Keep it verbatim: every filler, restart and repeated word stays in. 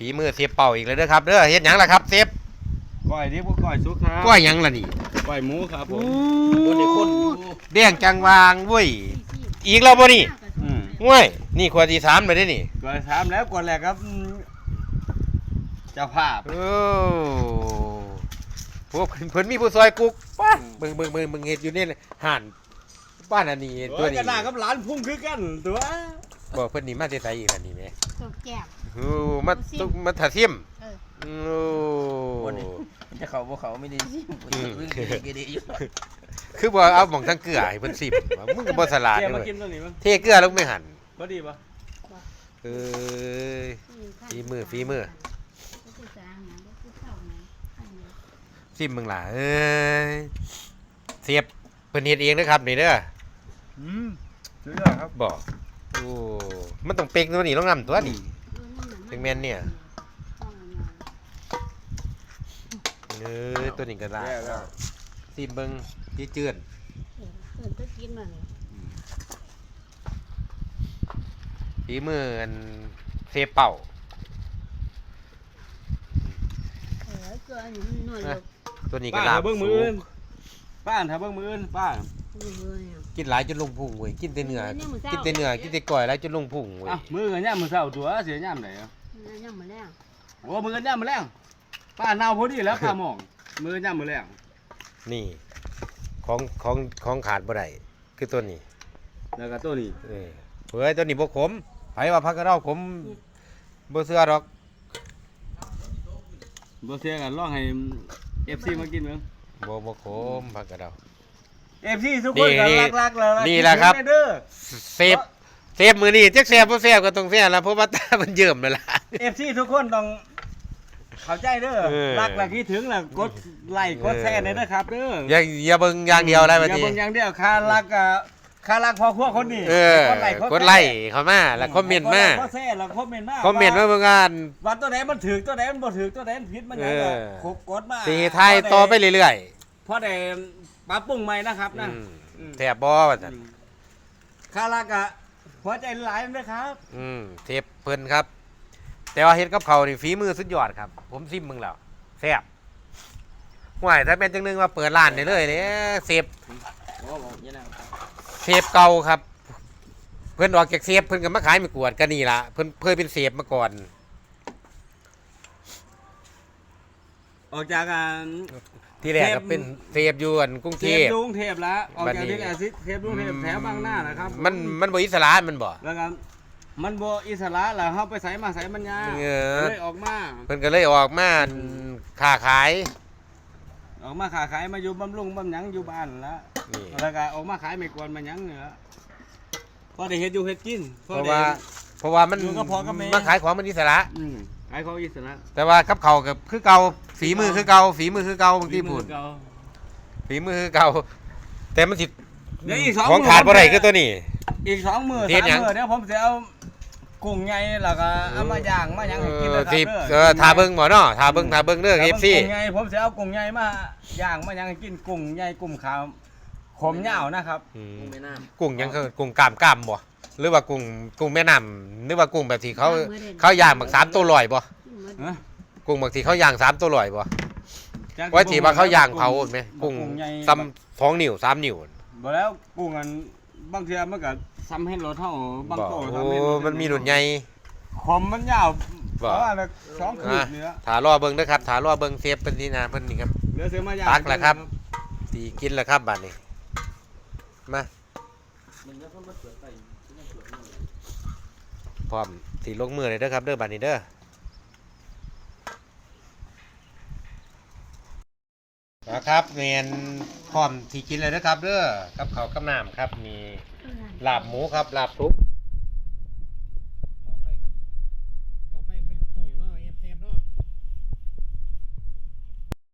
ฝีมือเสียบเป่าอีกเลยเด้อครับเด้อเฮ็ดหยังล่ะครับเซฟก้อยนี่พวกก้อยสุกครับก้อยหยังล่ะนี่ก้อยหมูครับผมคนในคนแดงจังวางเว้ยอีกแล้วบ่นี่เว้ยนี่ขวดที่สามเลยเด้นี่ขวดสามแล้วขวดแรกครับเจ้าภาพโอ้พวกเพิ่นมีผู้ซอยกุ๊กป้าเบิ่งเบิ่งเบิ่งเบิ่งเฮ็ดอยู่นี่ห่านบ้านอันนี้ตัวนี้กระดาษกับหลานพุ่งคือกันตัวบ่เพิ่นนี่มาแต่ไสอีกอันนี้แม่ตกแก้วโอ้มาตุมาถาซิมโอ้จะเขาบ่เขาไม่ได้ซิมคือบ่เอาหม่องทั้งเกลือให้เพิ่นซิมมึงก็บ่ฉลาดเด้อเทเกลือลงไปหั่นบ่ดีบ่เอ้ยฝีมือฝีมือซิมมึงล่ะเอ้ยเสียบเพิ่นเฮ็ดเองนะครับนี่เด้ออืมสุดยอดครับบ่โอ้มันต้องเป๊กตัวนี้ต้องนำตัวนี้ถึงแม่นเนี่ยเออตัวนี้ก็ได้ซิมเบิ่งที่เจือนฝีมืออันเซฟเป่าตัวนี้ก็ลาบเบิ่งมืออื่นป้าถ้าเบิ่งมืออื่นป้ากินหลายจนลงพุงเว้ยกินแต่เนื้อกินแต่เนื้อกินแต่ก้อยหลายจนลงพุงเว้ยมือกันย่ามมือเช้าตัวเสียย่ามไหนอ่ะย่ามมื้อแลงโอ้มือกันย่ามมื้อแลงป้าเน่าพอดีแล้วป้ามองมือย่ามมื้อแลงนี่ของของของขาดบ่ได้คือตัวนี้แล้วก็ตัวนี้เออเฮ้ยตัวนี้บ่ขมไผว่าผักกระเดาขมบ่เชื่อดอกบ่เชื่อกันลองให้ เอฟ ซี มากินมั้งบ่บ่ขมผักกระเดาเอฟ ซี ทุกคนก็รักๆเลยนี่แหละครับเซฟเซฟมื้อนี้จักแซ่บบ่แซ่บก็ต้องแซ่บล่ะเพราะว่าตามันเยิ้มแล้วล่ะเอฟ ซี ทุกคนต้องเข้าใจเด้อรักและคิดถึงล่ะกดไลค์กดแชร์ได้นะครับเด้ออย่าอย่าเบิ่งอย่างเดียวอะไรบัดนี้อย่าเบิ่งอย่างเดียวค่ารักอ่ะค่ารักพอครัวคนนี้กดไลค์กดไลค์เข้ามาแล้วคอมเมนต์มาก็แชร์แล้วคอมเมนต์มาคอมเมนต์มาเบิ่งกันว่าตัวไหนมันถูกตัวไหนมันบ่ถูกตัวไหนมันผิดมันหยังก็กดมาสิไทยต่อไปเรื่อยๆพอได้ปรับปรุงใหม่นะครับนะแซ่บบ่ว่าซั่นค่ารักอ่ะหัวใจหลายเด้อครับอืมเทปเพิ่นครับแต่ว่าเฮ็ดกับเขานี่ฝีมือสุดยอดครับผมซิมมึงแล้วแซ่บห่วยถ้าเป็นจังนึงว่าเปิดร้านได้เลยเด้เซฟเซฟเก่าครับเพิ่นออกจากเซฟเพิ่นก็มาขายไม่กวดกันนี่ล่ะเพิ่นเคยเป็นเซฟมาก่อนออกจากการที่แรกก็เป็นเซฟอยู่อันกรุงเทพกรุงเทพแล้วออกจากที่แอซิเทพกรุงเทพแถวบางหน้านะครับมันมันบ่อิสระมันบ่แล้วก็มันบ่อิสระแล้วเฮาไปไสมาไสมันยากเลยออกมาเพิ่นก็เลยออกมาค้าขายออกมาค้าขายมาอยู่บำรุงบำหยังอยู่บ้านแล้วแล้วก็ออกมาขายไม่กวนมาหยังนี่ล่ะพอได้เฮ็ดอยู่เฮ็ดกินเพราะว่าเพราะว่ามันมาขายของมันอิสระอืมขายของอิสระแต่ว่ากับเขาก็คือเก่าฝีมือคือเก่าฝีมือคือเก่าบางทีพูดฝีมือคือเก่าแต่มันสิของขาดบ่ได้คือตัวนี้อีกสองมื้อสามมื้อเดี๋ยวผมสิเอากุ้งใหญ่แล้วก็เอามาย่างมาหยังให้กินนะครับเด้อเออทาเบิ่งบ่เนาะทาเบิ่งทาเบิ่งเด้อ เอฟ ซีกุ้งใหญ่ผมสิเอากุ้งใหญ่มาย่างมาหยังให้กินกุ้งใหญ่กุ้งขาวขมยาวนะครับกุ้งแม่น้ำกุ้งยังคือกุ้งกล้ามกล้ามบ่หรือว่ากุ้งกุ้งแม่น้ำหรือว่ากุ้งแบบที่เขาเขาย่างบักสามตัวลอยบ่กุ้งบางทีเขาย่างสามตัวลอยบ่ไว้ที่ว่าเขาย่างเผาแม่กุ้งซ้ำสองนิ้วสามนิ้วบ่แล้วกุ้งอันบางเทีมันก็ซ้ำให้รถเท่าบางโตทำให้มันมีหนุนใหญ่ขมมันยาวเพราะว่าสองคืนเนื้อถารอเบิ้งนะครับถารอเบิ้งเซฟเป็นที่นาเพิ่นนี่ครับเลือเสือมาย่างตักแหละครับตีกินแหละครับบัดนี้มาพร้อมสีลงมือเลยเด้อครับเด้อบัดนี้เด้อนะครับเมียนพร้อมที่กินเลยนะครับเด้อกับข้าวกับน้ำครับมีลาบหมูครับลาบทุก